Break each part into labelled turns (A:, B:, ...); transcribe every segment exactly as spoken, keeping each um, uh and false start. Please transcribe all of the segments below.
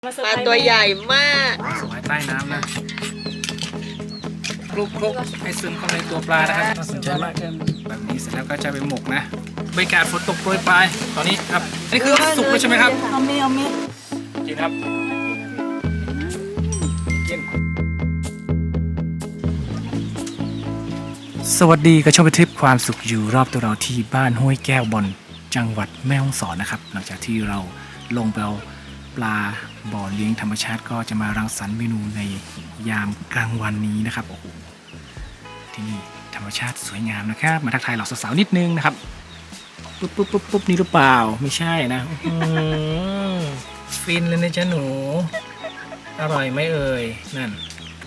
A: ปลาตัวใหญ่มาก
B: สวายใต้น้ำนะคลุกคลุกให้ซึมเข้าในตัวปลานะครับน่าสนใจมากแบบนี้เสร็จแล้วก็จะไปหมกนะบรรยากาศฝนตกโปรยปลายตอนนี้ครับนี่คือสุกแล้วใช่ไหมครับ
A: เอามีเอามี
B: กินครับกินสวัสดีกระชมไปทริปความสุขอยู่รอบตัวเราที่บ้านห้วยแก้วบอนจังหวัดแม่ฮ่องสอนนะครับหลังจากที่เราลงไปเอาปลาบ่อเลี้ยงธรรมชาติก็จะมารังสรรค์เมนูในยามกลางวันนี้นะครับโอ้โหที่นี่ธรรมชาติสวยงามนะครับมาทักทายเหล่าสาวๆนิดนึงนะครับปุ๊บปุ๊บปุ๊บปุ๊บนี่หรือเปล่าไม่ใช่นะฟินเลยนะจ๊ะหนูอร่อยไหมเอ่ยนั่น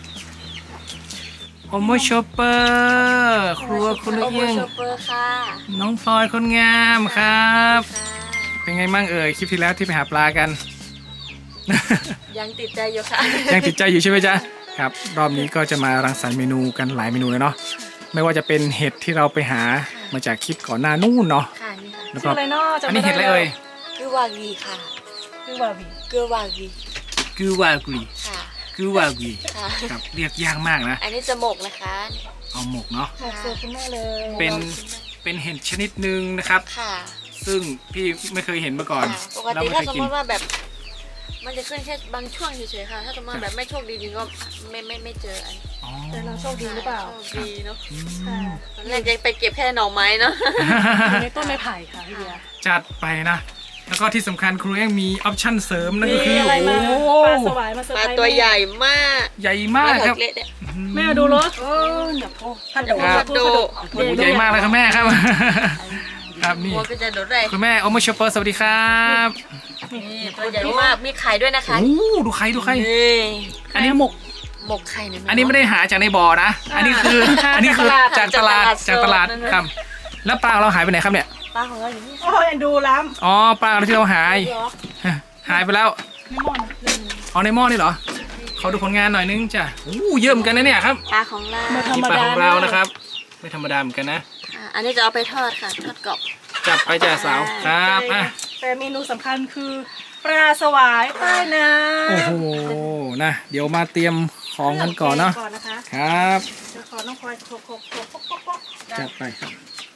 B: โอโมชอปเปอร์ครัวคุณเอี้ยงน้องพลอยคนงามครับเป็นไงมั่งเอ่ยคลิปที่แล้วที่ไปหาปลากัน
A: ยังติดใจอยู่ค่ะ
B: ยังติดใจอยู่ใช่ไหมจ๊ะครับรอบนี้ก็จะมารังสรรค์เมนูกันหลายเมนูเลยเนาะไม่ว่าจะเป็นเห็ดที่เราไปหามาจากคลิปก่อนหน้านู่นเนาะ
A: ค่ะนี่ค่ะ
B: แล้วก็อันนี้เห็ดอะไรเอ่ย
A: คือวากีค่ะคือวากีคือวากี
B: คือวากี
A: ค่ะ
B: คือวากีครับเรียกยากมากนะ
A: อันนี้จะหมกนะคะ
B: เอาหมกเนาะ
A: หมกสดคุณแม่เลย
B: เป็นเป็นเห็ดชนิดหนึ่งนะครับ
A: ค่ะ
B: ซึ่งพี่ไม่เคยเห็นมาก่อน
A: ปกติถ้าสมมติว่าแบบมันจะขึ้นแค่บางช่วงเฉยๆค่ะถ้าสมมติแบบไม่โชคดีจริงก็ไม่ไม่ไม่เจออัน
C: แต่เราโชคดีหรือเปล่า
A: โชคดีเนาะตอนแรกยังไปเก็บแค่หน่อไม้เนาะ
C: ในต้นไม้ไผ่ค่ะพี่เบียร์
B: จัดไปนะแล้วก็ที่สำคัญครูเองมีออปชั่นเสริมนั่นก็คือ
C: โอ้ปลาสวายมาเซอร์ไพรส์
A: ตัวใหญ่มาก
B: ใหญ่มากครับ
C: แม่ดูรถโอ้อย่าโทษ
A: พันดูพันดู
B: ใหญ่มากเลยครับแม่ครับครับนี่คุณแม่โอโมชอปเปอร์สวัสดีครับ
A: นี่ตัวใหญ่มากมีไข่ด้วยนะคะ
B: โอ้ดูไข่ดูไข่อันนี้หมก
A: หมกไข่เนี่ย
B: อันนี้ไม่ได้หาจากในบ่อนะอันนี้คืออันนี้คือจากตลาดจากตลาดครับแล้วปลาเราหายไปไหนครับเนี่ย
A: ปลาของเราอยู่นี่
C: โอ้ยดูล้ำ
B: อ๋อปลาที่เราหายหายไปแล้วอ๋อในหม้อนี่เหรอเขาดูผลงานหน่อยนึงจ้ะโอ้เยอะเหมือนกันนะเนี่ยครับ
A: ปลาของเรา
B: ปลาของเรานะครับไม่ธรรมดาเหมือนกันนะ
A: อันนี้จะเอาไปทอดค่ะทอดกรอบ
B: จับไปจ้ะสาวครับอ่ะ
C: แต่เมนูสำคัญคือปลาสวายใต้น้ำ
B: โอ้โหนะเดี๋ยวมาเตรียมของกันก่อนเนาะครับ
C: จะขอน้องพลอยโคกโคกโคกโคก
B: จัดไปครับ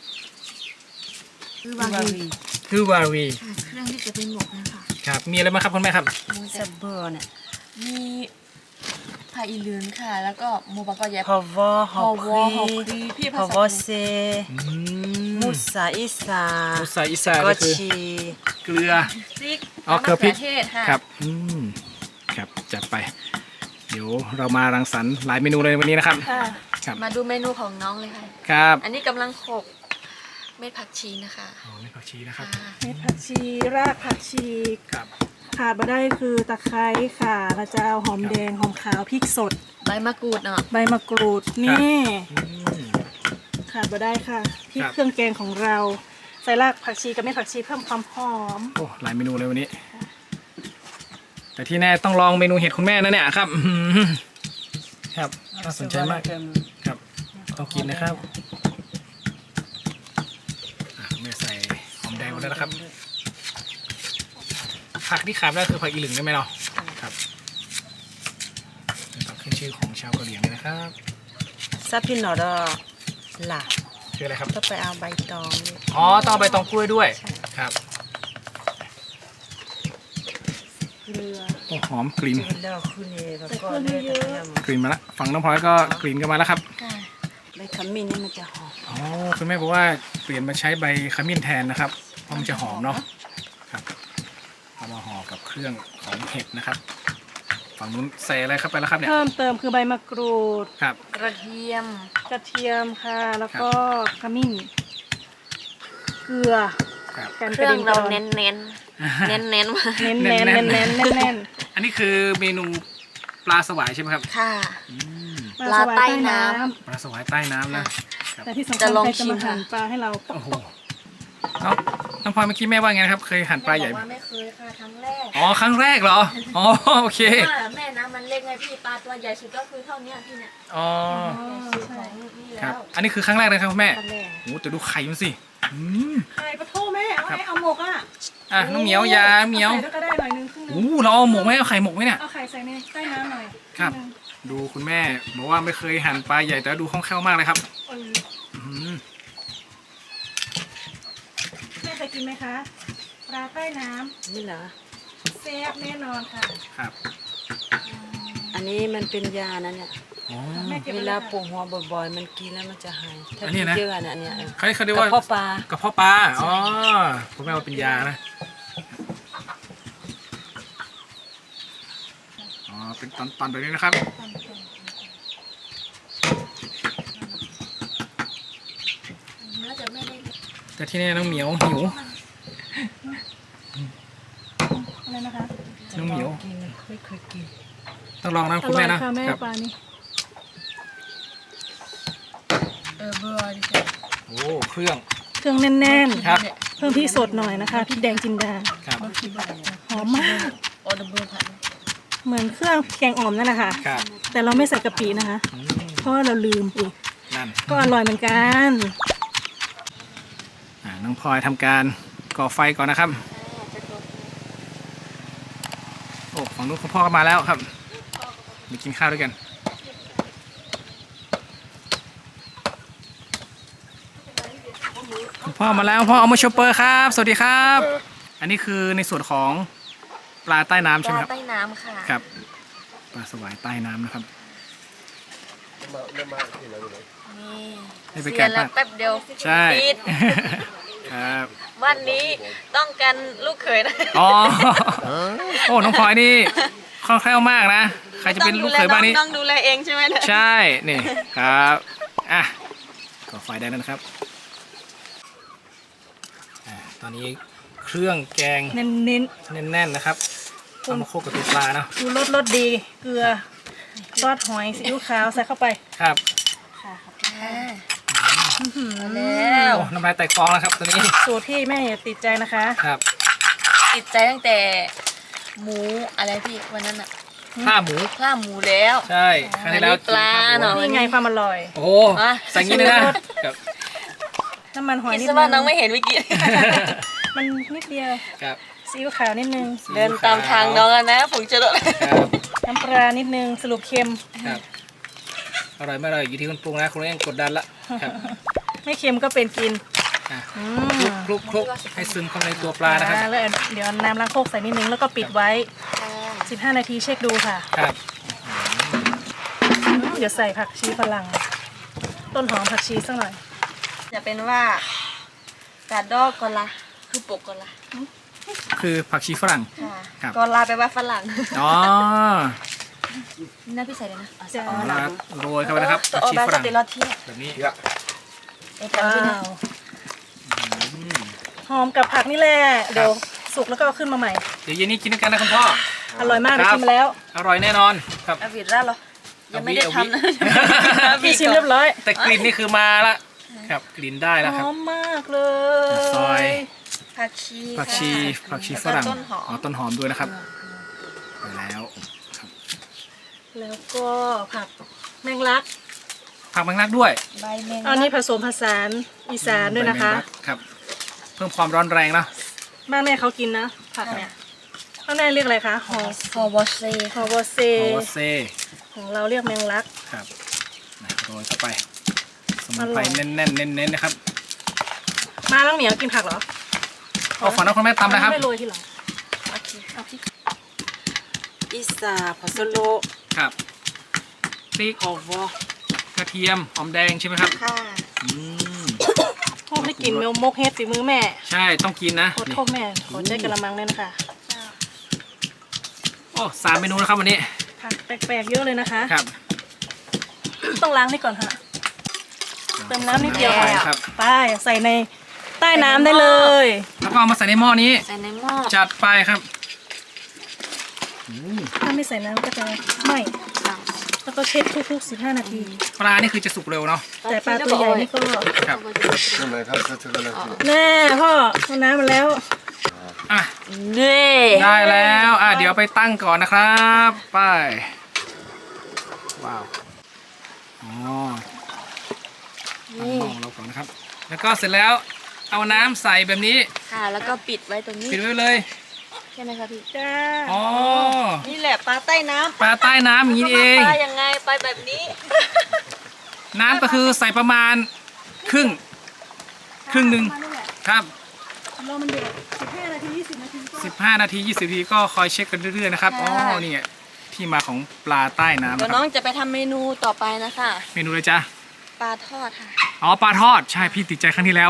A: คือวาวี
B: คือวาวี
A: เครื่องที่จะเป็นหมกนะคะ
B: ครับมีอะไรบ้างครับคุณแม่ครับ
A: มูเซเบอร์เนี่ยมีผักอีเหลืองค่ะแล้วก็หมูปลากระยับ
C: พาวเวอร์ฮอครี
A: พี่
C: พาวเวอร์เซมูสาอิสา
B: มูสาอิสาก็คือเกลือ
A: พริก
B: อ๋อเกลือพริก
A: ค่ะ
B: ครับอืมครับจัดไปเดี๋ยวเรามารังสรรค์หลายเมนูเลยวันนี้นะครับ
A: ครับมาดูเมนูของน้องเลยค่ะ
B: ครับ
A: อันนี้กำลังโขลกเม็ดผักชีนะคะ
B: อ๋อเม็ดผักชีนะครับ
C: เม็ดผักชีรากผักชี
B: ครับ
C: ขาดมาได้คือตะไคร้ค่ะเราจะเอาหอมแดงหอมขาวพริกสด
A: ใบมะกรูดเนาะ
C: ใบมะกรูดนี่ขาดมาได้ค่ะพริกเครื่องแกงของเราใส่รากผักชีกับเม็ดผักชีเพิ่มความหอม
B: โอ้หลายเมนูเลยวันนี้แต่ที่แน่ต้องลองเมนูเห็ดคุณแม่นะเนี่ยครับครับน่าสนใจมากครับต้องกินนะครับแม่ใส่หอมแดงหมดแล้วนะครับผักที่ขาดได้คือผักอีหลึงได้ไหมเนาะครับเป็นผักขึ้นชื่อของชาวกะเหรี่ยงเลยนะครับ
C: ซับพินนอร์ล่ะ
B: คืออะไรครับ
C: ต้องไปเอาใบตอง
B: อ๋อต้องเอาใบตองกล้วยด้วยครับ
C: เกลือ
B: โอ้หอมกลิ่นกลิ่นมาละฝั่งน้องพลอยก็กลิ่นกันมาแล้วครับ
C: ใบขมิ้นนี่มันจะหอม
B: อ๋อคุณแม่บอกว่าเปลี่ยนมาใช้ใบขมิ้นแทนนะครับเพราะมันจะหอมเนาะครับเอามาห่อกับเครื่องของเห็ดนะครับฝั่งนู้นใส่อะไรเข้าไปแล้วครับเนี่ย
C: เพิ่มเติมคือใบมะกรูด
B: ครับ
A: กระเทียม
C: กระเทียมค่ะแล้วก็ขมิ้นเกลือ
A: เครื่องเราเน้นเน้นเน้นเน้นมา
C: เน้นเน้นเน้นเน้นเน้นเน้น
B: อันนี้คือเมนูปลาสวายใช่ไหมครับ
A: ค่ะปลาใต้น้ำ
B: ปลาสวายใต้น้ำนะ
C: แต่ที่สำคัญใครจะมาหั่นปลาให้เรา
B: โอ้โหน้องน้องพลอยเมื่อกี้แม่ว่าไงนะครับเคยหั่นปลาใหญ่
A: ไหมไม่เคยค่ะครั้งแรก
B: อ๋อครั้งแรกเหรออ๋อโอเค
A: แม่นะมันเล็กไงพี่ปลาตัวใหญ่สุดก็คือเท่านี้พี่เนี่ย
B: อ๋อ
A: ของนี่แหละ
B: ครับ อันนี้คือครั้งแรกนะครับคุณแม่
A: ครั้งแรก
B: โอ้แต่ดูไข่มันสิอืม
C: ไข่ปลาทูแม่เอา
B: ครับ
C: ให้เอาหมกอ่ะ
B: อ่ะน้องเหมียวยาเหมียว
C: ใส่ด้วยก็ได้หน่อยนึงครึ่งนึ
B: โอ้
C: ง
B: เราเอาหมกไหมเอาไข่หมกไหมเนี่ย
C: เอาไข่ใส่ในใต้น้ำหน่อย
B: ครับ
C: งนึง
B: ดูคุณแม่บอกว่าไม่เคยหั่นปลาใหญ่แต่ดูคล่องแคล่วมากเลยครับ
C: เออ
B: อื้อหือ
C: แม่เคยกินไหมคะปลาใต้น้
A: นี่เหรอ
C: ำแซ่บแน่นอนค่ะ
B: ครับ
A: อันนี้มันเป็นยานะเนี่ย
B: อ๋อ
C: แม่เก็บ
A: เว
C: ไว้
A: ลา
C: แล้ว
A: ปวดหัวบ่อยๆ มันกินแล้วมันจะหาย ถ้า
B: อันนี้
A: กิน
B: นะ
A: เยอะอะเนี่ยอันเนี้ย
B: เขาเขาเรียก
A: กระ
B: ว่า
A: เพาะปลาก
B: ระเพาะปลาอ๋อคุณแม่ว่าเป็นยานะอ๋อเป็นตอนๆแบบนี้นะครับ
A: น่าจะไม่ได้
B: แต่ที่นี่น้องเหมียวหิว
C: อะไรนะคะ
B: น้องเหมียว
A: กินไม่เคยกิน
B: ต้องลองนะ
C: อ
B: คุณ
C: ร่อ
B: แม่
C: ย
B: นะ
C: ค่ะแม่
B: ครับ
C: ปลานี่
A: เออเบอร์ดิ
B: โอ้เครื่อง
C: เครื่องแน่น
B: ครับ
C: ๆเพิ่มพริกสดหน่อยนะคะพริกแดงจินดา
B: ครับ
C: หอมมาก
A: ออเดอร์เบอร์ผัด
C: เหมือนเครื่องแกงอ่อมนั่นแหละค่ะ
B: ครับ
C: แต่เราไม่ใส่กะปินะคะ
B: อืม
C: เพราะว่าเราลืมอีก
B: นั่น
C: ก็อร่อยเหมือนกัน
B: อ่าน้องพลอยทำการก่อไฟก่อนนะครับโอ้ฝั่งนู้นคุณพ่อก็มาแล้วครับมากินข้าวด้วยกันคุณพ่อมาแล้วพ่อเอามาโชเปอร์ครับ สวัสดีครับ อันนี้คือในส่วนของปลาใต้น้ำ
A: ป
B: ใช่ไหม
A: ลา
B: ครับ
A: ใต้น้ำค่ะ
B: ครับปลาสวายใต้น้ำนะครับ
A: นี่
B: ให้ไป
A: เสี
B: แกะ
A: ยแล้ว
B: ปลา
A: แป๊บเดียว
B: ใช่
A: ปิด
B: ครับ
A: วันนี้ต้องการลูกเขยนะ
B: อ๋อโอ้น้องพลอยนี่คล่องแคล่วมากนะใครจะเป็นลูกเขยบ้านนี้
A: ต้องดูแลเองใช่ไหมเนี่ย
B: ใช่ นี่ครับอ่ะก่อไฟได้แล้วนะครับอ่าตอนนี้เครื่องแกง
C: เน้น
B: แน่นๆนะครับเอามาโคกกับตัวปลาเนาะ
C: ๆดูรสรสดี เกลือซอสหอยซีอิ๊วขาวใส่เข้าไป
B: ครับ
C: ค่ะขอบคุณ
A: อ่า
C: ค่ะ
A: แล้ว
B: โอ้น้ำลายแตกฟองแล้วครับตัวนี้
C: สูตรที่แม่อย่าติดใจนะคะ
B: ครับ
A: ติดใจตั้งแต่หมูอะไรพี่วันนั้นอะ
B: ข้าหมู
A: ข้าวหมูแล้ว
B: ใช่ครั้งที่แล้ว
A: อันนี้ปลาเนอะ
C: นี่ไงความอร่อย
B: โอ้โห
A: อ่ะ
B: ใส่งี้เลยนะครับ
C: น้ำมันหอย
A: คิด
C: นิด
A: ซะ
C: นึ
A: ว่าง น้องไม่เห็นเมื่อกี้
C: มันนิดเดียว
B: ครับ
C: ซีอิ๊วขาวนิดนึง
A: เดินตามทางน้องอะนะผมจะโดน
B: ครับ
C: น้ำปลานิดนึงสรุปเค็ม
B: ครับอร่อยไม่อร่อยอยู่ที่คนปรุงนะคุณเองกดดันละครับ
C: ไม่เค็มก็เป็นกิน
B: อ่ะ
C: อื
B: คลุก
C: ม
B: คลุกคลุกให้ซึมเข้าในตัวปลานะครับ
C: อ่แล้วเดี๋ยวน้ำล้างโคกใส่นิดนึงแล้วก็ปิดไว้ สิบห้า นาทีเช็คดูค่ะ
B: ครับ
C: อืมเดี๋ยวใส่ผักชีฝรั่ง ต้นหอมผักชีสักหน่อย
A: จะเป็นว่ากาดอกกอลาคือปกกอลา
B: คือผักชีฝรั่ง
A: ค่ะ
B: ครับ
A: กอลาแปลว่าฝรั่ง
B: อ๋อ
A: นี่นะพี่ใส่เลยนะ
C: จะ
A: อ๋อ
B: เอาละโรยเข้าไปนะครับ
A: ตัว
B: ผัก
A: ออ
B: ชี
A: บา
B: ฝ
A: ส
B: รั่ง
A: เตลอเทีย
B: แบบนี้
A: เอตันที่นี่
B: อืม
C: หอมกับผักนี่แหละ เดี๋ยวสุกแล้วก็เอาขึ้นมาใหม่
B: เดี๋ยวเย็นนี้กินด้วยกันนะคุณพ่อ
C: อร่อยมาก
B: ค
C: ได้
B: รับ
C: ชิมมาแล้ว
B: อร่อยแน่นอนครับ
A: อาวิดร่าเหรอ ยังไม่ได้
B: เอาวิ
A: ทำนะ
B: เอาวิ
C: พี่ชิมเรียบร้อย
B: แต่กลิ่นนี่คือมาละครับกลิ่นได้แล้ว
C: ห
B: ครับ
C: อมมากเลย
B: ซอย
A: ผักชี
B: ผักชี
A: ค่ะ
B: ผักชีฝรั่ง
A: แล้วก็ต้นหอ
B: อ๋อ
A: ม
B: ต้นหอมด้วยนะครับไปแล้วครับ
C: แล้วก็ผักแมงลัก
B: ผักแมงลักด้วย
A: ใบแมง
C: อันนี้ผสมผสานอีสานด้วยนะคะ
B: ใบแมงลักครับ เพิ่มความร้อนแรงเนอะ
C: บ้านแม่เขากินนะ ผักเนี่ยบ้านแม่เรียกอะไรคะหอ
A: ฟอร์วอชเซ่
C: หอวอเซ
B: โอเซ
C: ของเราเรียกแมงลัก
B: ครับนะโรยเข้าไปสมุนไพ
C: อร่
B: ร
C: อย
B: แน่นๆเน้นๆนะครับ
C: มาแล้วเหมียวกินผักเหรอ
B: เอาฝั่งน้องคุณแม่ตำนะครับ
C: ไม่โรยทีหลัง
A: โอเค
C: เอาพริก
A: อิสาพาสโล
B: ครับพริก
A: ฮอวอก
B: ระเทียมหอมแดงใช่ไหมครับ
A: ค่ะ
B: อืม
C: โอ้ได้กลินเมลมกเฮ็ดฝีมือแม่
B: ใช่ต้องกินนะ
C: โคตร
B: นี่
C: โทษแม่ขอใช้กระมังด้วยนะคะ
B: โอ้สามเมนูนะครับวันนี้
C: ผักแปลกๆเยอะเลยนะคะ
B: ครับ
C: ต้องล้างนี่ก่อนค่ะ เติมน้ำนิดเดียว
B: ไป
C: ค่ะ
B: ครับ
C: ไปใส่ในใต้น้ำได้เลย
B: แล้วก็เอามาใส่ในหม้อนี้
A: ใส่ในหม้อ
B: จัดไปครับอืม
C: ถ้าไม่ใส่น้ำก็จะไหม้แล้วก็เช็ดทุกๆสิบห้า นาที
B: ปลานี่คือจะสุกเร็วเนาะ
C: แต่ปลาตัวใหญ่นี่ก็
B: ครับ
C: แน่พ่อเอาน้ำมาแล้ว
B: อ่ะ
A: เน่
B: ได้แล้วอ่ะเดี๋ยวไปตั้งก่อนนะครับไปว้าวอ๋อตั้งหม้อของเราก่อนนะครับ แล้วก็เสร็จแล้วเอาน้ำใส่แบบนี้
A: ค่ะ แล้วก็ปิดไว้ตรงนี้
B: ปิดไว้เลย
A: ใช่ไหมคะพี่
C: จ้า
B: อ๋อ
A: นี่แหละปลาใต้น้ำ
B: ปลาใต้น้ำอย่างนี้นี่เอง
A: ปลายังไงไปแบบนี้
B: น้ำก็คือใส่ประมาณครึ่ง ครึ่งหนึ่ง
C: มานี่แหละ
B: ครับ
C: รอมันเดือดสิบห้านาทียี่สิบนาทีก็
B: สิบห้านาทียี่สิบนาทีก็คอยเช็คกันเรื่อยๆนะครับ อ๋อ นี่ไงที่มาของปลาใต้น้ำ
A: เดี๋ยว
B: นะค
A: น้
B: รั
A: อบ งจะไปทำเมนูต่อไปนะคะ
B: เมนูเลยจ้ะ
A: ปลาทอดค่ะ
B: อ๋อ ปลาทอด ใช่ พี่ติดใจครั้งที่แล้ว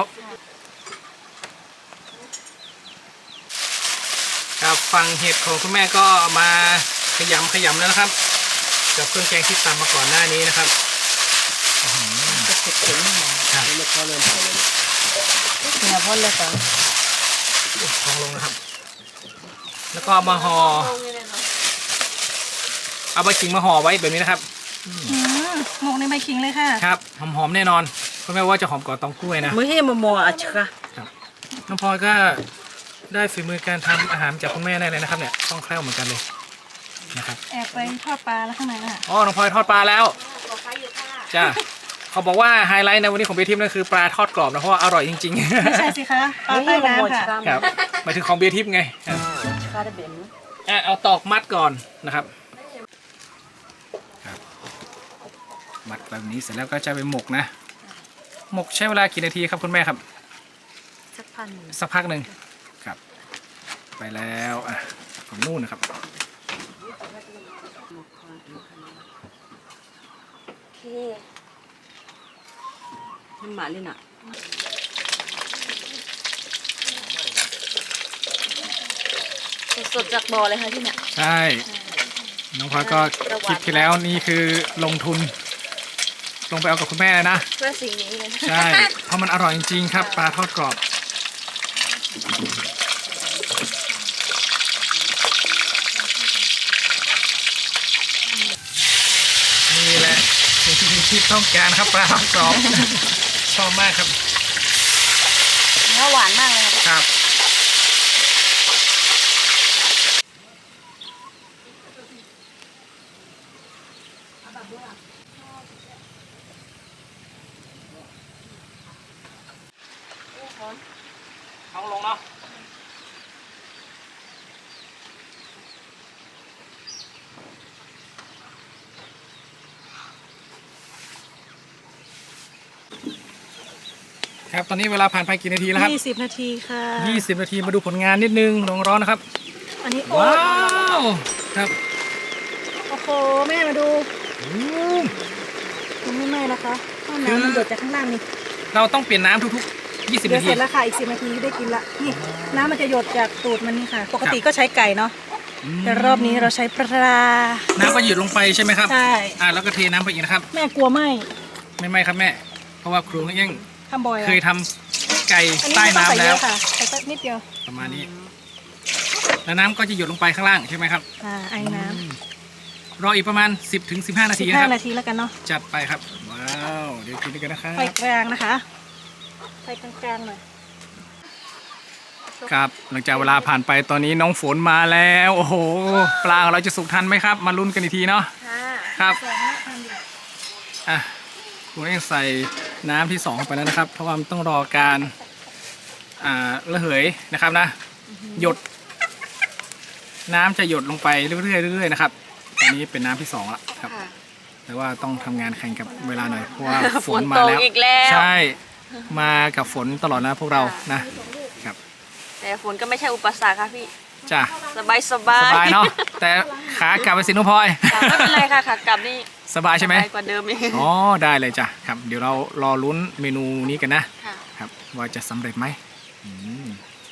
B: ครับฟังเห็ดของคุณแม่ก็เอามาขยำขยำแล้วนะครับกับเครื่องแกงที่ตำมาก่อนหน้านี้นะครับครับ
A: เนื้อพ่นเลยก่อน
B: ทองลงนะครับ แล้วก็เอามาห่อเอาใบขิงมาห่อไว้แบบนี้นะครับ
C: อืมหมกในใบขิงเลยค่ะ
B: ครับหอมๆแน่นอนคุณแม่ว่าจะหอมกว่าตองกล้วยนะ
A: มือให้มโมอ่ะชะ
B: น้องพลอยก็ได้ฝีมือการทำอาหารจากคุณแม่ได้เลยนะครับเนี่ยคล่องแคล่วเหมือนกันเลยนะครับ
C: แอบไปทอดปลาแล้วข้างในน่ะ
B: อ๋อน้องพลอยทอดปลาแล้ว
A: ขอไฟอยู่ค่ะ
B: จ้าเขาบอกว่าไฮไลท์ในวันนี้ของเบทิปนั่นคือปลาทอดกรอบนะเพราะว่าอร่อยจริง
C: ไม่ใช่สิคะปลาใต้น้ำค่ะ
B: ๆครับหมายถึงของเบทิปไงครับ
A: ชะได้เบน
B: อ่ะเอาตอกมัดก่อนนะครับครับมัดแบบนี้เสร็จแล้วก็จะไปหมกนะ หมกใช้เวลากี่นาทีครับคุณแม่ครับ
A: สักพัน
B: สักพักหนึ่งครับ ไปแล้วอ่ะของนู่นนะครับ
A: โอเคน้ำหมาเลยน่ะสดๆจากบ่อเลยค่ะที่เนี่ย
B: ใช่ น้องพลอยก็คลิปที่แล้วนี่คือลงทุน ลงไปเอากับคุณแม่เลยนะ
A: เพื่อสิ่งนี้เลย
B: ใช่ เพราะมันอร่อยจริงๆครับ ปลาทอดกรอบ นี่แหละสิ่งที่คุณคิดต้องการครับปลาทอดกรอบ ชอบมากครับ
A: เนื้อหวานมากเลยค่ะ
B: ครับ ท้องลงเนาะ ครับ ตอนนี้เวลาผ่านไปกี่นาทีแล้วครับ
C: ยี่สิบนาทีค่ะ
B: ยี่สิบนาทีมาดูผลงานนิดนึงลองร้อนนะครับ
C: อันนี้โอ๊
B: ว้า
C: ต
B: ว ครับ
C: โอ้โหแม่มาดู
B: อืม
C: มันไม่ไหม้นะคะข้าวน้ำมันหยดจากข้างล่างนี่
B: เราต้องเปลี่ยนน้ำทุกๆ ยี่สิบ
C: เดี๋ยว
B: นาที
C: เสร็จแล้วค่ะอีกสิบนาทีได้กินละนี่น้ำมันจะหยดจากตูดมันนี่ค่ะ ปกติก็ใช้ไก่เนาะ
B: อืม
C: แต่รอบนี้เราใช้ปลา
B: น้ำก็หยุดลงไปใช่ไหมครับ
C: ใช่
B: อ่าแล้วก็เทน้ำไปอีกนะครับ
C: แม่กลัวไหม
B: ไม่ไม่ครับแม่ เพราะว่าครูเอี้ยง
C: ทำบ่อยอะ
B: เคยทำไก่
C: อันนี้
B: ใต้
C: ไม่ต้องใส่
B: น้ำ
C: เย
B: แล้ว
C: อะค่ะใส่แค่นิดเดียว
B: ประมาณนี้ แล้วน้ำก็จะหยดลงไปข้างล่างใช่ไหมครับ
C: อ่าไอ้น้
B: รออีกประมาณ สิบถึงสิบห้า
C: ำ
B: นา
C: สิ
B: ที
C: บ
B: นะ
C: ห้า
B: ครับ
C: นาทีแล้วกันเนาะ
B: จัดไปครับ ว้าว เดี๋ยวกินด้วยกันนะครับ
C: ไฟกลางนะคะไฟกลางๆหน่อย
B: ครับ หลังจากเวลาผ่านไปตอนนี้น้องฝนมาแล้ว โอ้โห ปลาของเราจะสุกทันไหมครับ มาลุ้นกันอีกทีเนาะ
A: ค่ะ
B: ครับ
C: แสงหน้าทำดี
B: อ่ะคุณเองใส่น้ำที่สองเข้าไปแล้วนะครับ เพราะว่ามันต้องรอการอ่าระเหยนะครับนะ หยด น้ำจะหยดลงไปเรื่อยๆเรื่อยๆนะครับอันนี้เป็นน้ำที่สองละครับ
A: ค่ะ
B: แต่ว่าต้องทำงานแข่งกับเวลาหน่อยเพราะว่าฝ
A: ฝ
B: น
A: น
B: มา
A: ตก
B: แล้ว
A: อีกแล้ว
B: ใช่มากับฝนตลอดนะพวกเรานะ
A: แต่ฝนก็ไม่ใช่อุปสรรคค่ะพี่
B: จ้ะ
A: สบายสบา
B: ส
A: ย
B: บายเนาะแต่ขากลับไปสิน้องพลอย
A: ค่ะไม่เป็นไรค่ะขากลับนี่
B: สบายใช่ไหม
A: สบายกว่าเดิมอีก
B: อ๋อได้เลยจ้ะครับ เดี๋ยวเรารอลุ้นเมนูนี้กันนะ
A: ค่ะ
B: ครับว่าจะสำเร็จไหมอืม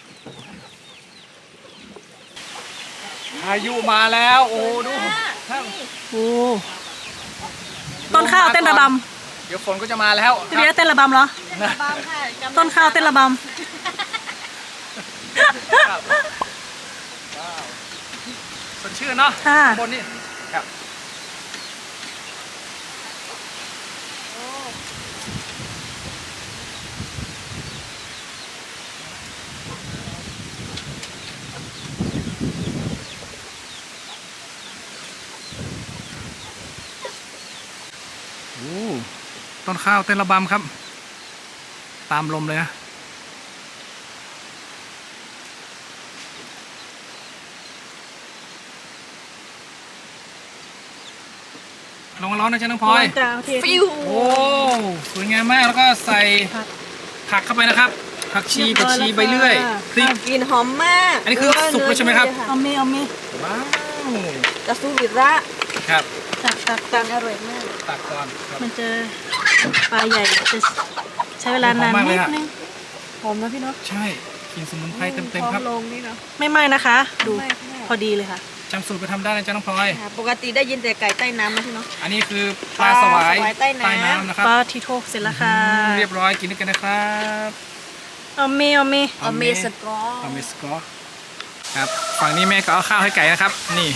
B: พายุมาแล้ว โอ้ดูครับ
C: โอ้ต้นข้าวเต้นระบ
B: เดี๋ยวฝนก็จะมาแล้ว
C: ำพี่เบียร์เต้นระบำเหรอ
A: บางค่ะจำได้
C: ต้นข้าวเต้นระบ
B: ครับว้าวสดชื่นเนาะ
C: ำค่ะ
B: บนนี่ครับโอ้ต้นข้าวเต้นระบำครับตามลมเลยนะลงร้อนนะจ๊ะน้องพลอย
C: จางเทีย
A: ฟิว
B: โอ้สวยงามมากแล้วก็ใส่ผักเข้าไปนะครับ ผักชีผักชีใบเลื่อยพริก
A: กลิ่นหอมมาก
B: อันนี้คือสุกแล้วใช่ไหมครับ
C: เอามีเอามี
B: ว้าว
A: กระซูบิระ
B: ครับ
C: ตักตัก
A: ตั
C: ตั
A: ง
C: ก
A: อร่อยมาก
B: ตักก่อนครับ
C: มันจะปลาใหญ่จะใช้เวลานาน
B: หอมมากเล
C: นิ
B: ย
C: ด
B: อะ
C: นึงหอมนะพี่เนาะ
B: ใช่กินสมุนไพรเต็มๆครับ
A: ลงนี่เนาะ
C: ไม่ไหม้นะคะ ดู
A: ไม่ไม่
C: พอดีเลยค่ะ
B: จำสูตรไปทำได้นะจ๊ะน้องพลอย
A: ปกติได้ยินแต่ไก่ใต้น้ำนะพี่เนาะ
B: อันนี้คือปลาสวาย
A: ปลาสวายใต้น้ำ
B: นะครับ
C: ปลาทีโทเสร็จแล้วค่ะ
B: เรียบร้อยกินด้วยกันนะครับ
C: เอามีเอามี
A: อเมสกอ
B: อเมสกอครับฝั่งนี้แม่ก็เอาข้าวให้ไก่นะครับ นี่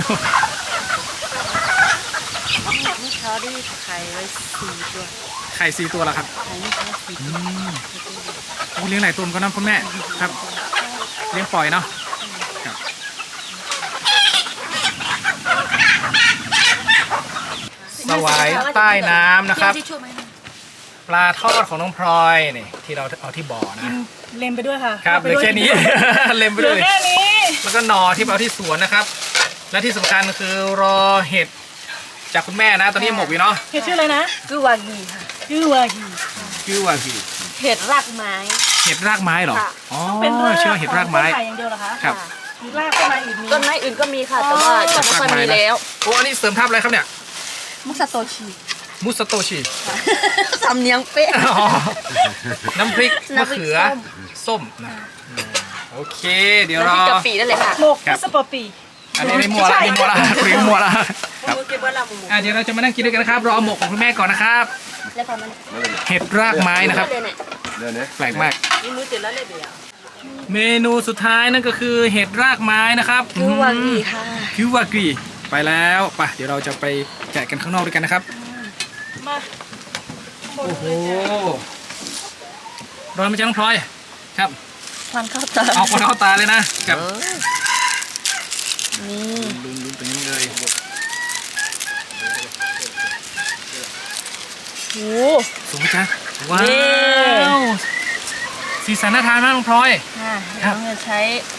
A: นี่เขาได้ไข่ไว้สี่ตัว
B: ไข่สี่ตัวแล้วครับ
A: ไข่นี่เขาสี่
B: อืมโอ้เลี้ยงหลายตัวเหมือนกันนะคุณแม่ครับ เลี้ยงปล่อยเนาะครับสวายใต้น้ำนะครับ
A: ที่ช่วยไหม
B: ปลาทอดของน้องพลอยนี่ที่เราเอาที่บ่อนะ
C: เล็มไปด้วยค่ะ
B: ครับเห
C: า
B: ลื
C: ไป
B: อ
C: ด้วย
B: แค่นี้ เล็มไป
C: เหลื
B: ด้
C: อ
B: วย
C: แค่นี้
B: แล้วก็หนอที่เอาที่สวนนะครับ และที่สำคัญคือรอเห็ดจากคุณแม่นะตอนนี้หมกอยู่เนาะ
C: เห็ดชื่ออะไรนะ
A: คือวากีค่ะ
C: ชื่อวากี
B: ชื่อว่าคือ
A: เห็ดรากไม้
B: เห็ดรากไม้เหรอ
A: ค่ะ
B: อ๋อ
C: เป็นราก
B: ชื่อว่าเห็ดรากไม้
C: ต้นไผ่อย่างเดียวเหรอคะ
B: ครับ
C: มีรากต้นไม้อีกมี
A: ต้นไม้อื่นก็มีค่ะ แต่ว่าจะไม่ค่อยมีแล้ว
B: โอ้อันนี้เสริมทับอะไรครับเนี่ย
A: มุสโตชิ
B: มุสโตชิ
A: สำเนียงเป๊ะ
B: อ๋อน้ำพริกมะ
A: น้ำพริก
B: เขือ
A: ส้ม
B: ส้มนะอืมโอเค เดี๋ยว
A: แล้ว
B: รอ
A: ที่กะปินั่นเลยค่ะ
C: หมก
B: ครับ
C: มัสปอปี
B: อันนี้ไม่มัวละไม่มัวละคุยมัวละครับ
A: มูเก็บไว้ละมู
B: อ่ะเดี๋ยวเราจะมานั่งกินด้วยกันนะครับรอหมกของคุณแม่ก่อนนะครับ
A: แล้วพอมัน
B: เห็ดรากไม้นะครับ
A: เลยเนี่ย
D: Да, не?
B: แปลกมาก
A: มีมือติดแล้วเลยเบียร์
B: เมนูสุดท้ายนั่นก็คือเห็ดรากไม้นะครับ
A: คือวากีค่ะ
B: คิววากีไปแล้วไปเดี๋ยวเราจะไปแกะกันข้างนอกด้วยกันนะครับ
C: มา
B: โอ้โหร้อนไหมจ๊ะน้องพลอยครับ
A: ควันเข้าตา
B: เอาคนเข้าตาเลยนะกับ
A: นี่
B: ลุ้นลุ้นตรงนี้เลย
A: โอ้
B: สูงไหมจ๊ะว้า
A: นี่
B: วสีสันน่าทานมากน้องพลอย
A: ค่ะ
B: ครับ
A: เราจะใช้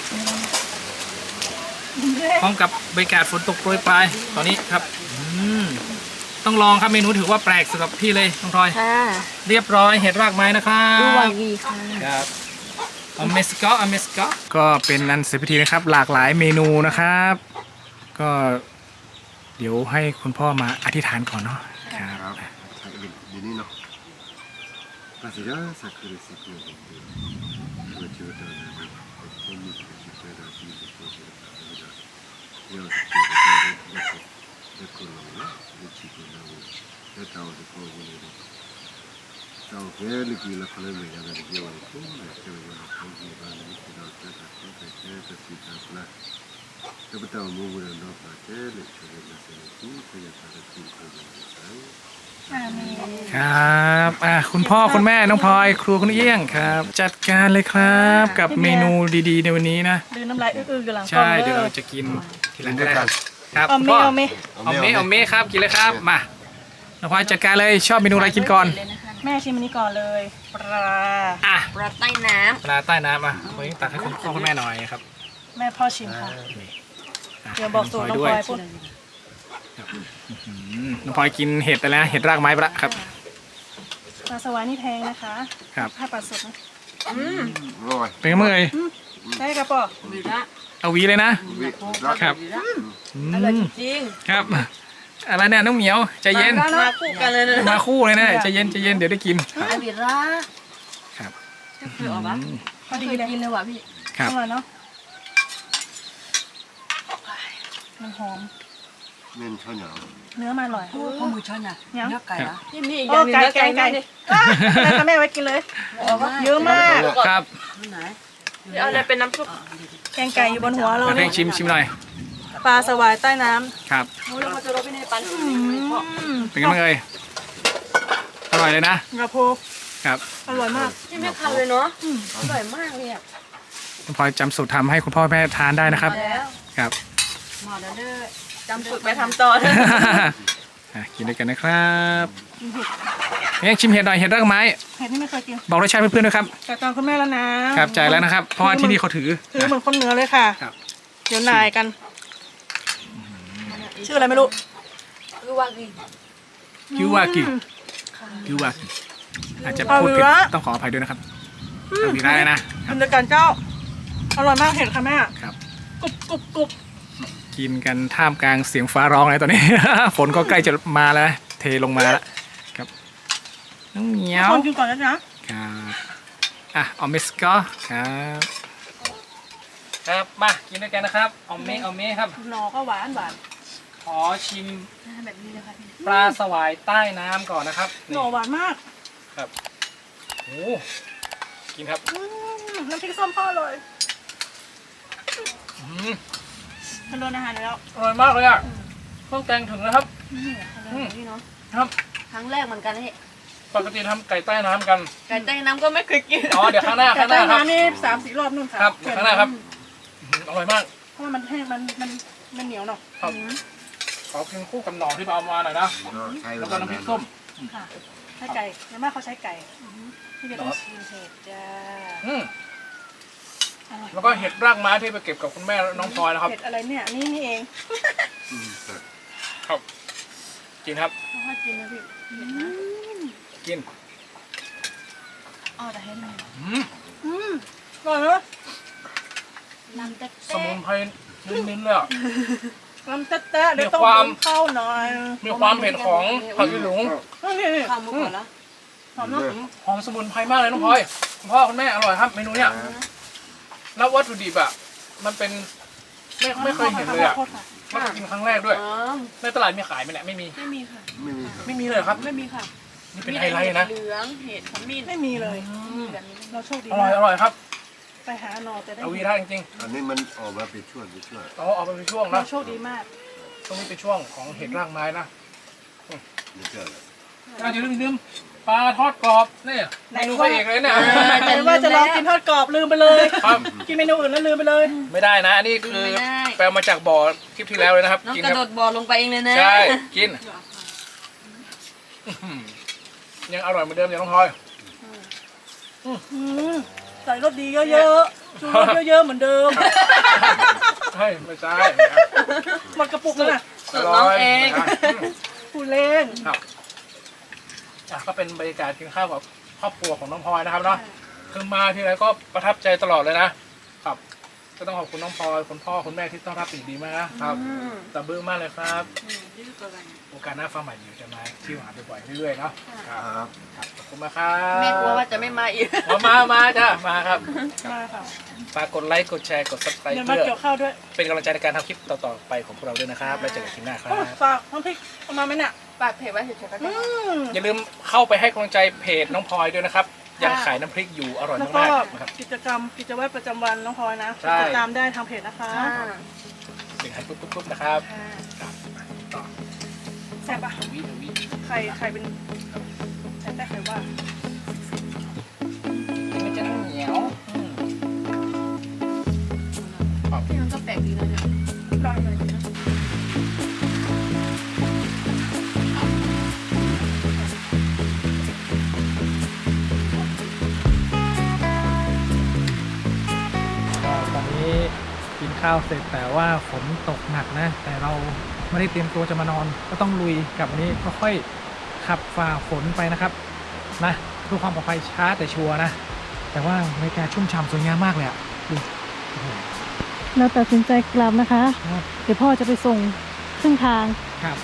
B: พร้อมกับบรรยากาศฝนตกโปรยปลายตอนนี้ครับอืมต้องลองครับเมนูถือว่าแปลกสำหรับพี่เลยน้องพลอย
A: ค่ะ
B: เรียบร้อยเห็ดรากไม้นะครับ
A: ดูวากีค่ะ
B: ครับอเมสกออเมสกอก็เป็นอันเสร็จพิธีนะครับ หลากหลายเมนูนะครับ ก็เดี๋ยวให้คุณพ่อมาอธิษฐานก่อนเนาะครับ
D: Di ni no. Pasti ya sakit sakit. Dua juta ni. Kami kita dah di deposit. Ya, kita dah di situ dah. Kita tahu deposit ni. Tahu dia lagi lah kalau mereka dah jual itu, mereka dah tahu dia dah kita dah kita dah kita kita lah. Kita tahu mungkin dah pakai, kita dah sini, kita dah kita dah.
B: ครับอ่ะคุณพ่อคุณแม่น้องพลอยครัวคุณเอี้ยงครับ จัดการเลยครับกับเมนูดีๆในวันนี้นะ
C: ดืนน้ำลายอื้อๆอยู่หลังกล้อง
B: ใช่
C: เล
B: เดี๋ยวเรา
C: ย
B: จะกินทีหลังก็ได้ครับครับ
C: เอา
B: คุณ
C: เม
B: พ่อ
C: เอาเม
B: เอาเมเอาเมครับกินเลยครับมาน้องพลอยจัดการเลยชอบเมนูอะไรกินก่อน
A: เลยนะคะ
C: แม่ชิมอันนี้ก่อนเลย ปลา
B: อ่ะ
A: ปลาใต้น้
B: ปลาใต้น้ำอ่ะวันนี้ตักให้คุณพ่อคุณแม่หน่อยครับ
C: แม่พ่อชิมค่ะ
B: นี่ะ
C: เดี๋ยวบอกสูตรน้องพลอยพูด
B: อืมน้องพลอยกินเห็ดไปแล้วเห็ดรากไม้ไปละครับ
C: ปลาสวายนี่แพงนะคะ
B: ครับ
C: ถ้าปลาสดนะ
A: ำอืม
D: Rồi.
B: เป็นไงบ้างเอ่ย
C: ได้กระป๋อ
A: วีระ
B: เอาหวีเลยนะ ครับ
A: วีระ
B: อื
A: อร่อย
B: ม
A: จริง
B: ครับอะไรเนี่ยน้องเหมียวใจเย็น
A: มาคู่กันเลยนะ
B: มาคู่เลยนะใจเย็นใจเย็นเดี๋ยวได้กิน
A: ไอวีระ
B: ครับ
A: เคยออกปะ
C: พอดี
A: เคย
C: เลย
A: กินเลยว่ะพี่
B: ครับ
C: อร่อยเนาะมันหอม
D: Men cho nhỏ.
C: เนื้อมันอร่อย
A: ข้าวหมูช้อนอ่ะ
C: ยัง
A: เนื้อไก่อ่ะนี่มีอีกอ
C: โอ้
A: ย่างหนึง
C: ไก่
A: เนื้อ
C: ไก่
A: ไก่
C: ไก่
A: ดิ
C: อ่ะแล้วค่ะแม่ไว้กินเลย เยอะมาก
B: ครับ
A: ไหนเอาอะไรเป็นน้ำซุป
C: แกงไก่อยู่บนหัวเรา
B: มาเพ่
C: เนี่
B: ง
C: ย
B: ชิมชิมหน่อย
C: ปลาสวายใต้น้
B: ครับ
A: มูแล้วเขาจะรบไปในปัน
C: ำอืม
B: เป็นไงบ้างเอ่ยอร่อยเลยนะ
C: กระโพ
B: ครับ
C: อร่อยมาก
A: ที่ไม่คันเลยเนาะอร่อยมากเลยอ่ะ
B: คุณพลอยจำสูตรทำให้คุณพ่อแม่ทานได้นะครับ
A: แล้ว
B: ครับ
A: หมอแล้วเด้อจำฝึกไปทำต่อเด้อ
B: คอ่ะกินด้วยกันนะครับเฮ้ยชิมเห็ดหน่อยเห็ดรากไม้
C: เห็ดนี่ไม่เคยกิน
B: บอกรสชาติเพื่อนๆด้วยครับ
C: จ่ายตังค์คุณแม่แล้วนะครับ
B: จ่ายแล้วนะครับ เพราะว่าที่นี่เขาถือ
C: ถือเหมือนคนเหนือเลยค่ะ
B: ครับ
C: เดี๋ยวนายกัน ชื่ออะไรไม่รู้
A: คือว่ากิน
B: คิววากิ
C: อืม
B: คิววากิอาจจะพูดผิด
C: เอาละ
B: ต้องขออภัยด้วยนะครับเอาวีได้เลยนะค
C: กิ
B: รับ
C: นด้วยกันเจ้า อร่อยมากเห็ดค่ะแม่
B: ครับ
C: กรุบกรุบกรุบ
B: กินกันท่ามกลางเสียงฟ้าร้องเลยตอนนี้ ฝนก็ใกล้จะมาแล้วนะเทลงมาแล้วครับน้องเหมียว
C: คนกินก่อนนะจ๊ะ
B: ครับอ่ะออมเมสก็ครับครับมากินด้วยกันนะครับออมเมออมเมครับ
C: หน่อก็หวานหวาน
B: ขอชิม
A: แบบนี้เลยค่ะพี่
B: ปลาสวายใต้น้ำก่อนนะครับ
C: หน่อหวานมาก
B: ครับโอ้กินครับ
C: อืมน้ำพริกส้มพ่อเลย
B: อืม
C: ทานโดนอาหารแล้ว
B: อร่อยมากเลยอ่ะเครื่องแกงถึงนะครับ
C: นี่ทานโดนนี่เนาะ
B: ครับ
A: ครั้งแรกเหมือนกันเฮ้
B: ปกติทำไก่ใต้น้ำกัน
A: ไก่ใต้น้ำก็ไม่เคยกิน
B: อ๋อเดี๋ยวข้างหน้า
C: แต่
B: ข้างห
C: ใต้
B: น้าครับ
C: น้ำนี่สามสี่รอบนู่นค่ะ
B: ครับเดี๋ยวข้างหน้าครับอื้อหืออร่อยมาก
C: เพราะว่ามันแห้งมันมันมันเหนียวเนาะ
B: ครับ
C: อืม
B: ขอกินคู่กับหน่อที่เอามาหน่อยนะ
D: ใช้เว
B: แล้วก็
D: ลา
B: น้ำพริ
D: นาก น
B: ส้ม
C: ค่ะใช้ไก่แล้วแม่เขาใช้ไก่อือหือที่จะต้องชิมเห็ดจ้า
B: อืม
C: อร่อย
B: แล้วก็เห็ดรากไม้ที่ไปเก็บกับคุณแม่น้องพลอยนะครับ
C: เห็ดอะไรเนี่ยนี่นี่เอง
D: อืมแต่
B: ครับกินครับ
C: เอาให้กินนะพี่อืม
B: กิน
A: อ๋อแต่ให้มัน
B: อืม
C: อืมอร่อยเนอะ
A: ลำแต่
B: สมุนไพรนิ้นๆเลยอ่ะ
C: ลำแต๊ะๆเดี๋ยวต้อง
B: มีความ
C: หุงข้าวหน่อย
B: มีความเผ็ดของผักยีหลง
C: นี่นี่
A: ข้าวมุกก่อนแล้ว
C: หอมเนาะ
B: หอมสมุนไพรมากเลยน้องพลอยคุณพ่อคุณแม่อร่อยครับเมนูเนี้ยแล้ววัตถุดิบอ่ะมันเป็นไม่ไม่เคยเห็นเลยอ่ะ
C: โทษค่ะ
B: ไม่เคยกินครั้งแรกด้วย
A: อ๋อ
B: ในตลาดมีขายไหมเนี่ยไม่มี
A: ไม่มีค่ะ
D: ไม่มีครับ
B: ไม่มีเลยเหรอครับ
A: ไม่มีค่ะ
B: นี่เป็นไฮไลท์นะ
A: เหลืองเห็ดขมิ้น
C: ไม่มีเลย
B: อืม
A: แบบนี้
C: เราโชคดี
B: อร่อย
C: มาก
B: อร่อยครับ
C: ไปหาหนอแต่ได้
B: เอาวีท่าจริง
D: อันนี้มันออกมาเป็นช่วงเป็นช่วง
B: ๆเราเอาไปเป็นช่วง
C: เรา
B: นะ
C: โชคดีมาก
B: ตรงนี้เป็นช่วงของเห็ดรากไม้นะ
D: นี่เจอเลย
B: อ่ะอย่าลืมลืมปลาทอดกรอบนี่เมนูพระเอกเลยเนี่ย
C: แต่ว่าจะลองกินทอดกรอบลืมไปเลย
B: ครับ
C: กินเมนูอื่นแล้วลืมไปเลย
B: ไม่ได้นะ อันนี้คือ
A: ไม่ได้
B: แปลมาจากบ่อคลิปที่แล้วเลยนะครับ
A: น้อง
B: กิน
A: กระ
B: ค
A: โด
B: รับ
A: ดบ่อลงไปเองเลยนะ
B: ใช่ กินอื้อหือยังอร่อยเหมือนเดิมอย่างน้องพลอย
C: อืมใส่รสดีเยอะๆชูรสเยอะๆเหมือนเดิม
B: เฮ้ยไม่ใช่
C: หมดกระปุกแล้วนะ
A: สูตรน้องเอง
C: ผู้เล่น
B: ครับอ่ะก็เป็นบรรยากาศกินข้าวกับครอบครัวของน้องพลอยนะครับเนาะคือมาที่ไรก็ประทับใจตลอดเลยนะครับ ก็ต้องขอบคุณน้องพลอยคุณพ่อคุณแม่ที่ต้อนรับเป็นอย่างดีมากนะครับ
A: อืม
B: ตะบื้อมากเลยครับ
A: อืมนี่คือตัวอะไร
B: โอกาสหน้าฟ้าใหม่อยู่จะมาเที่ยวหาบ่อยๆเรื่อยๆเนาะครับ
D: ครับ
B: ครับขอบคุณมากครับ
A: แม่กลัวว่าจะไม่มาอีก
B: มามามาจ้ะมาครับ
C: มาค่ะ
B: ฝากกดไลค์กดแชร์กดซับสไครต์
C: เดี๋ยวมา
B: เพื่อ
C: เกี่ยวข้าวด้วย
B: เป็นกำลังใจในการทำคลิปต่อๆไปของพวกเราด้วยนะครับแล้วเจอกันคลิปหน้าครับ
C: โอ้ฝากน้ำพริกเอามาไหมเนี่ย
A: ปากเผ็ดไว้เฉยๆก็
C: อื
A: ได้
C: ม
B: อย่าลืมเข้าไปให้กำลังใจเพจน้องพลอยด้วยนะครับยังขายน้ำพริกอยู่อร่อย
C: แล้วก็
B: มากๆนะครับ
C: กิจกรรมกิจวัตรประจำวันน้องพลอยนะ
B: ใช่
C: ติดตามได้ทางเพจนะคะ
A: อ่า
B: ถึงให้ปุ๊บปุ๊บๆๆนะครับ
C: ค่ะ
B: ครับต่อ
C: แซ่บปะ
B: วิวิ
C: ใครใครเป็นใครแต่ใครว่า
B: มันจะเหนียวอืม
A: พี่มันก็แปลกดีนะเนี่ย
C: ได้เลยนะ
B: ก็ตอนนี้กินข้าวเสร็จแต่ว่าฝนตกหนักนะ แต่เราไม่ได้เตรียมตัวจะมานอน ก็ต้องลุยกับวันนี้ค่อยๆขับฝ่าฝนไปนะครับนะเพื่อความปลอดภัยช้าแต่ชัวร์นะ แต่ว่าบรรยากาศชุ่มฉ่ำสวยงามมากเลยอ่ะดูโอ้โห
C: เราตัดสินใจกลับนะคะ
B: ครับ
C: เดี๋ยวพ่อจะไปส่งครึ่งทาง
B: ครับ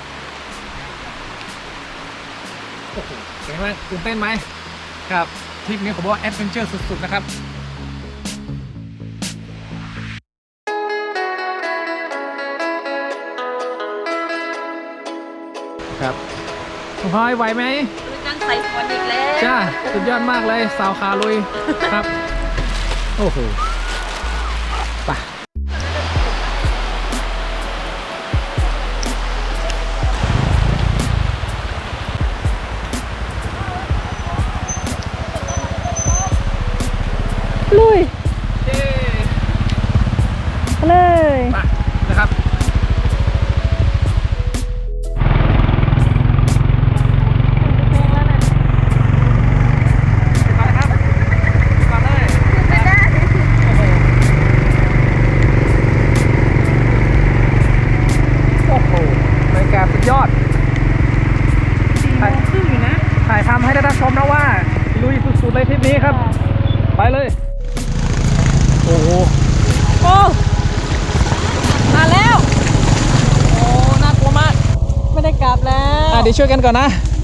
B: โอ้โหเป็นไงบ้างตื่นเต้นไหมครับทริปนี้ผมว่าแอดเวนเจอร์สุดๆนะครับครับคุณพลอยไหวไหม
A: คือการใส่ฝนอีกแล้ว
B: จ้าสุดยอดมากเลยสาวขาลุยครับ โอ้โหไป
C: ลุย
B: เย้
C: เลย
B: ไปนะครับากาศสุดยอด
C: สี่โมงครึ่งอยู่นะ
B: ถ่ายทำให้ได้รับชมนะว่าลุยสุดๆเลยทริปนี้ครับ ไปเลย โอ้โห
A: โอ้มาแล้ว โอ้ น่ากลัวมาก ไม่ได้กลับแล้ว
B: อ่ะเดี๋ยวช่วยกันก่อนนะ